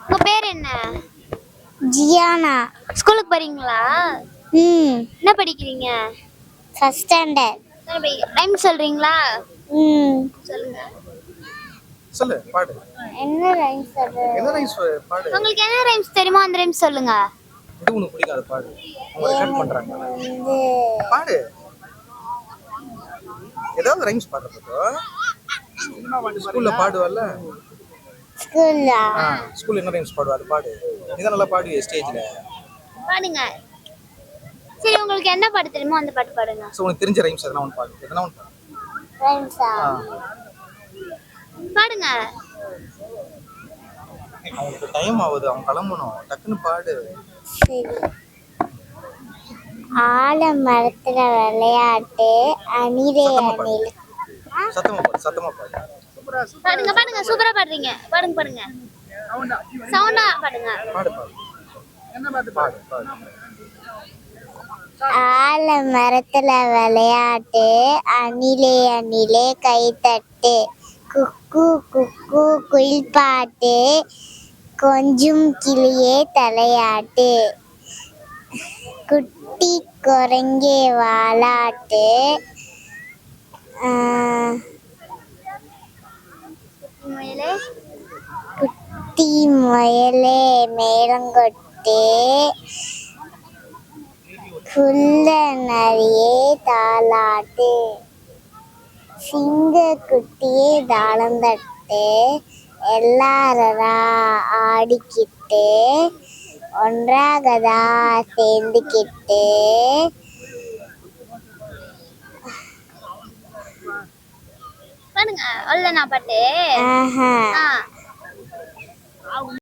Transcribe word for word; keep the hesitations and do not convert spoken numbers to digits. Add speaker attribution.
Speaker 1: உங்க பேர் என்ன?
Speaker 2: ஜியானா.
Speaker 1: ஸ்கூலுக்கு போறீங்களா?
Speaker 2: ம்.
Speaker 1: என்ன படிக்கிறீங்க?
Speaker 2: First standard.
Speaker 1: ரைம் சொல்றீங்களா?
Speaker 2: ம்.
Speaker 1: சொல்லுங்க.
Speaker 3: சொல்லு பாடு.
Speaker 2: என்ன ரைம் சொல்ற?
Speaker 3: என்ன ரைம்ஸ் பாடு?
Speaker 1: உங்களுக்கு என்ன ரைம்ஸ் தெரியுமோ அந்த ரைம்ஸ் சொல்லுங்க.
Speaker 3: இது உனக்கு பிடிக்காத பாடு. அவங்க ரெக்கார்ட் பண்றாங்க.
Speaker 2: வந்து
Speaker 3: பாடு. ஏதாவது ரைம்ஸ் பாடுற போதோ? ஸ்கூல்ல பாடுவல்ல?
Speaker 2: ஸ்கூல்ல.
Speaker 3: ஆ, ஸ்கூல்ல என்ன ரைம்ஸ் பாடுவ அது பாடு. நீ தான் நல்லா பாடுவியே ஸ்டேஜ்ல.
Speaker 1: பாடுங்க. சரி உங்களுக்கு என்ன பாட்டு தெரியுமோ அந்த பாட்டு பாடுங்க.
Speaker 3: சோ உனக்கு தெரிஞ்ச ரைம்ஸ் எதனா ஒன்னு பாடு. எதனா ஒன்னு பாடு.
Speaker 2: ரைம்ஸா?
Speaker 3: ஆ.
Speaker 1: பாடுங்க.
Speaker 3: அவங்களுக்கு டைம் ஆகுது, அவங்க கிளம்பணும். டக்குன்னு பாடு.
Speaker 2: சரி. ஆலமரத்துல விளையாட்டு அணிலே அணில்.
Speaker 3: சத்தமா பாடு, சத்தமா பாடு.
Speaker 1: பாடுங்க பாடுங்க சூப்பரா பாடுறீங்க. பாடுங்க பாடுங்க. சவுண்டா பாடுங்க.
Speaker 3: பாடு பாடு. என்ன பாட்டு பாடு பாடு.
Speaker 2: ஆலமரத்துல விளையாட்டு அணிலே அணிலே கைத்தட்டு குக்கு குக்கு குயில் பாட்டு கொஞ்சம் கிளியே தலையாட்டு குட்டி குரங்கே வாலாட்டு
Speaker 1: முயலே
Speaker 2: குட்டி முயலே மேலங்கொட்டு குள்ள நரியே தாலாட்டு சிங்க குட்டியே தாளந்தட்டு எல்லாரா ஆடிக்கிட்டு ஒன்றாகதா சேர்ந்துக்கிட்டு
Speaker 1: பாடுங்க. அவ்வளவுதானா பாட்டு?
Speaker 2: ஆஹா
Speaker 1: ஆ